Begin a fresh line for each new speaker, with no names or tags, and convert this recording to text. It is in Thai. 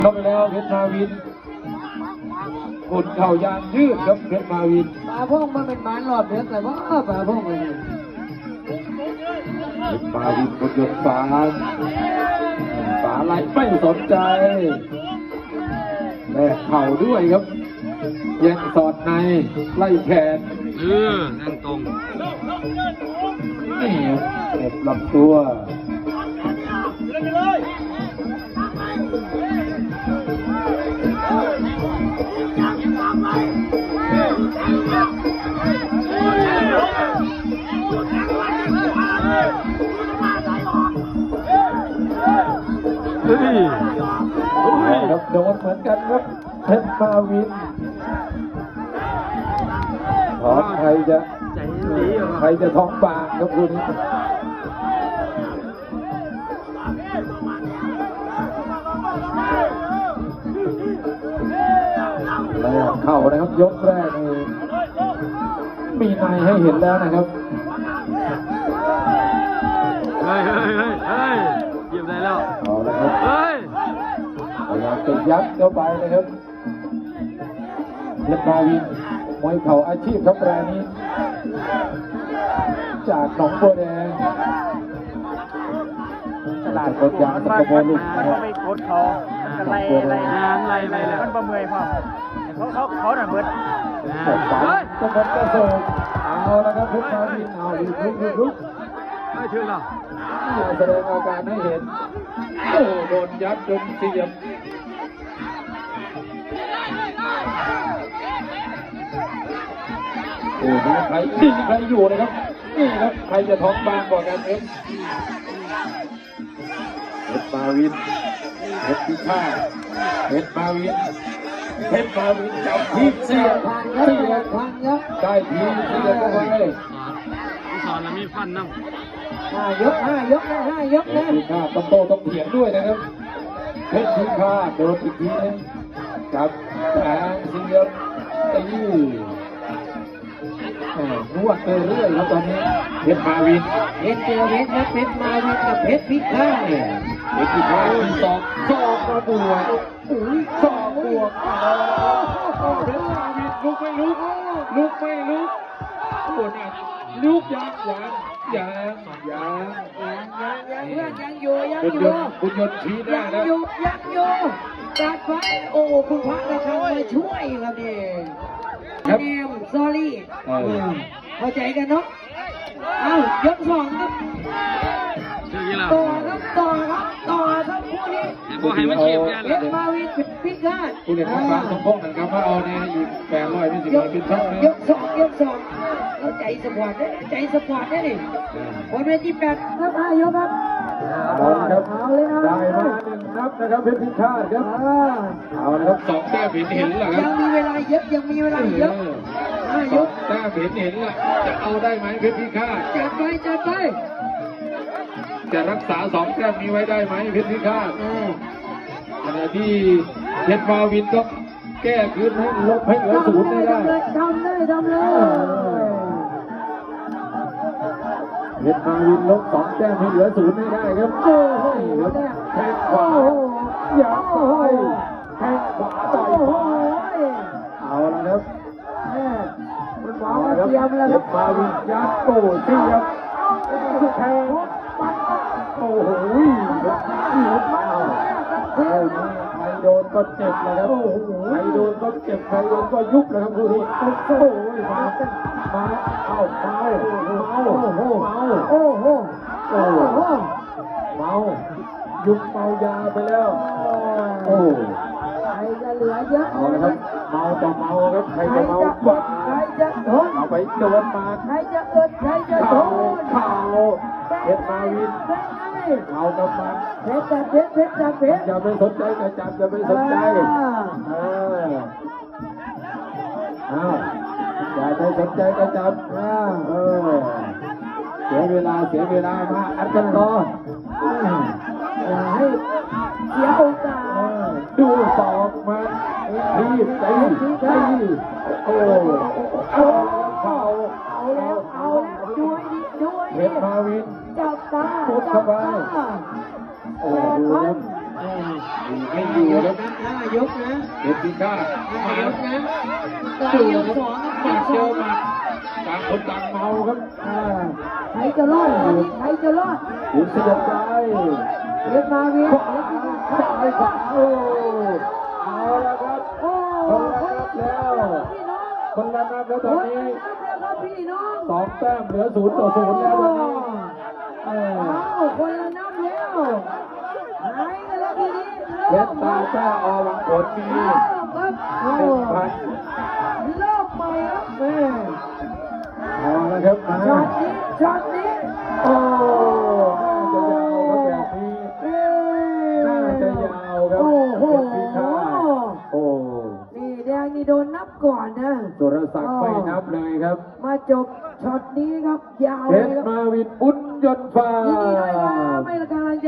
เข้าไปแล้วเพชรมาวินกดเข่ายางยืดครับเพชรมาวิน
ปลาพงมันเป็นหมานรอบเดือดแต่ว่าปลาพงเลย
เพชรมาวินกดยนต์ฝาไหลไม่สนใจแลกเข่าด้วยครับแย่งสอดในไล่แขน
นั่งตรง
นี่เก็บลำตัวครับโดนเหมือนกันครับเพชรมาวินถอนใครจะท้องบางครับคุณแล้วเข้านะครับยกแรกนี่มีในให้เห็นแล้วนะครับ
เฮ้ยหยิบได้แล้ว
เอาละครับพยายามจะยัดเข้าไปนะครับเพชรมาวินมวยเข่าอาชีพครับรายนี้จากหนองบัวแดง
ตลาด
กดยางตะโกนลูกนะครับ
ไม่กดเขาไล่แล้วมันประเมยพ่อเขาหน่ะเบิด
ก็มันก็เสิร์ฟเอาละครับเพชรมาวินเอาลุก
ไม่ถึงหรอก
แสดงอาการให้เห็นโอ้โดนยัดจนเสียบโอ้มีใครอยู่นะครับนี่ครับใครจะท้องบางกว่ากันเพชรมาวินเพชรพิฆาตเพชรมาวินจับทีเสียได้ทีเสียเข้าไป
สอนแล้วมีฟันน้
ำ5 ยกนะ
เพชรพิฆาตต้องโตต้องเถียงด้วยนะครับเพชรพิฆาตโดนอีกทีนึงจับแทงเสียบตีนวดไปเรื่อยครับตอนนี้เพชรมาวิน
เพชรครับเพชรมาวินกับเพชรพิฆาตเนี่ย
เพชรพิฆาตสองกระบวกสองบวกเพชรมาวินลุกไม่ลุกโอ้น่ะลุกยัง
เพื่อนยังอยู่
คุณยนต์ชี้หน้านะ
ยังอยู่จัดไว้โอ้คุณพระราชามาช่วยครับเนี่ยเนมซอรี่เข้าใจกันเนาะเอายก2ครับต่อครับคู่นี้
พวกให้มาเชียร์กัน
เพชรมาวินพิฆาต
คุณเด็กฟ้าสมพงษ์นะครับว่าเอาเนี่ยอีก800เป็น10เป็นช่องนะ
ยก2เราใจสปอร์ตได้ดิวันที่8ครับ5 ยกครับ
เอาเลยได้มา1 นับนะครับเพชรพิฆาตครับเอาละครับ2 แต้มเห็นแล้วครับ
ยังมีเวลาเยอะ5 ยก
แต้มเห็นแล้วจะเอาได้ไหมเพชรพิฆาต
จัดไป
จะรักษา2 แต้มนี้ไว้ได้ไหมเพชรพิฆาตขณะที่เพชรมาวินต้องแก้คืนให้ลบให้เหลือ0ได้
ทำเลย
เพชรมาวินลบ2 แต้มให้เหลือ0ไม่ได้ครับโอ้โหแทงขวาอย่าไปแทงขวาต่อยขวาเอาละครับ
มันหวังว่าเตรียมแล้วครับ
มาวินยัดโต้เสียบแทงโอ้โหใครโดนก็เจ็บเลยครับใครโดนก็เจ็บใครโดนก็ยุบเลยครับคู่นี้โอ้โหมาเข้าเมายุบเมายาไปแล้วโอ้
ใครจะเหลือเยอะ
เอาละครับเมาต่อเมาครับใครจะเมาบ้าง
ใครจะทน
เอาไปโดนมา
ใครจะอึดใครจะทน
เข่าเพชรมาวินเอากำมัน
เพชร
อย่าไปสนใจกระจับอย่าไปสนใจอย่าไปสนใจกระจับเสียเวลามาอัดกันต่อ
อย่าให้เสียโอกาส
ดูศอกมาทีตีโอ้
เอาแล้วดูให้ดี
เพชรมาวิน
จับตา
พุดเข้าไปโอ้ดูไม่อยู่ครับ
ห้ายกนะ
เพชรพิฆาต
ห้ายกนะต่
ดู
อยก
ครับ
สองครับ
หมัดเจอหมัดต่างคนต่างเมาครับ
ใครจะรอดใครจะรอด
ถึงสะดุดใจ
เรียกมาเวีย
ขวาซ้ายขวาโอ้เอาละครับ
โอ้
คนละนับแล้ว
พี่น้อง
คนละนับแล้วตอนนี้
ครับพี่น้อง
สองแต้มเหลือ0-0แล้วตอนนี้เออ
คนละน้ำแล้วหายกันแล้วทีนี้
เพชรตาจ้าอวังผลมี
ครับโอ้
1,000
เริ่มใหม่ครับแม่
เอาละครับมา
ช็อตนี้
โอ้น่าจะยาวครับแบบนี้น่าจะยาวครับ
โอ้โห
เพชรพิฆาตโอ้
นี่แดงนี่โดนนับก่อนนะ
สุรศักดิ์ไม่นับเลยครับ
มาจบช็อตนี้ครับยาว
เพ
เลย
ชร
ครับ
มาวินบุญยนต์ฟ้า
ยินดีด้วยครับไม่ละการ